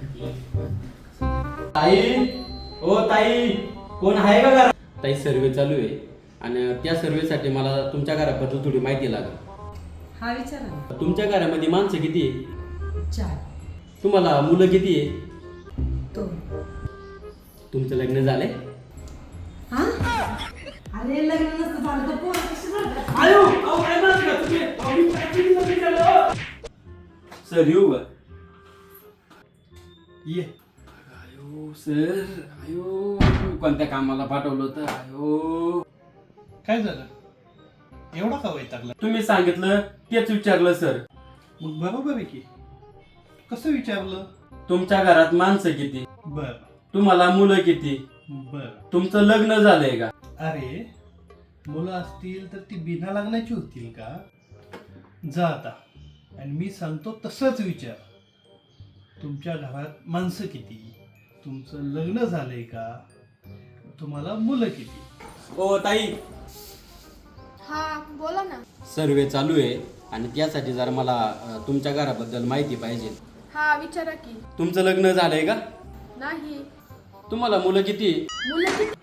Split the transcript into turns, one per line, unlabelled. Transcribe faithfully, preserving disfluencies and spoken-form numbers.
ताई, ओ ताई, कोण आहे का घरात? ताई, सर्वे चालू आहे आणि त्या सर्वेसाठी मला तुमच्या घराबद्दल थोडी माहिती लागेल.
हा विचारा ना.
तुमच्या घरामध्ये माणसं किती आहे?
चार.
तुम्हाला मुलं किती आहे?
दोन.
तुमचं लग्न झालंय?
हा? अरे लग्न नसतं झालं तर पोरं कशी झालं?
आयो, अहो, काय म्हणता तुम्ही? अहो, मी practically लग्न झालं. सर येऊ का? ये. आयो सर, आयो कोणत्या कामाला पाठवलं होतं? आयो
काय झालं? एवढा का वैतागला?
तुम्ही सांगितलं तेच विचारलं सर.
मग बरोबर आहे की. कसं विचारलं?
तुमच्या घरात माणसं किती?
बर
तुम्हाला मुलं किती?
बर.
तुमचं लग्न झालंय का?
अरे मुलं असतील तर ती बिना लग्नाची होतील का? जा आता आणि मी सांगतो तसंच विचार. तुमच्या घरात माणसं किती? तुमचं लग्न झालंय का? तुम्हाला मुलं किती?
ओ ताई,
हा बोला ना.
सर्वे चालू आहे आणि त्यासाठी जरा मला अ, तुमच्या घराबद्दल माहिती पाहिजे.
हा विचारा की.
तुमचं लग्न झालंय का?
नाही.
तुम्हाला मुलं किती?
मुलं किती?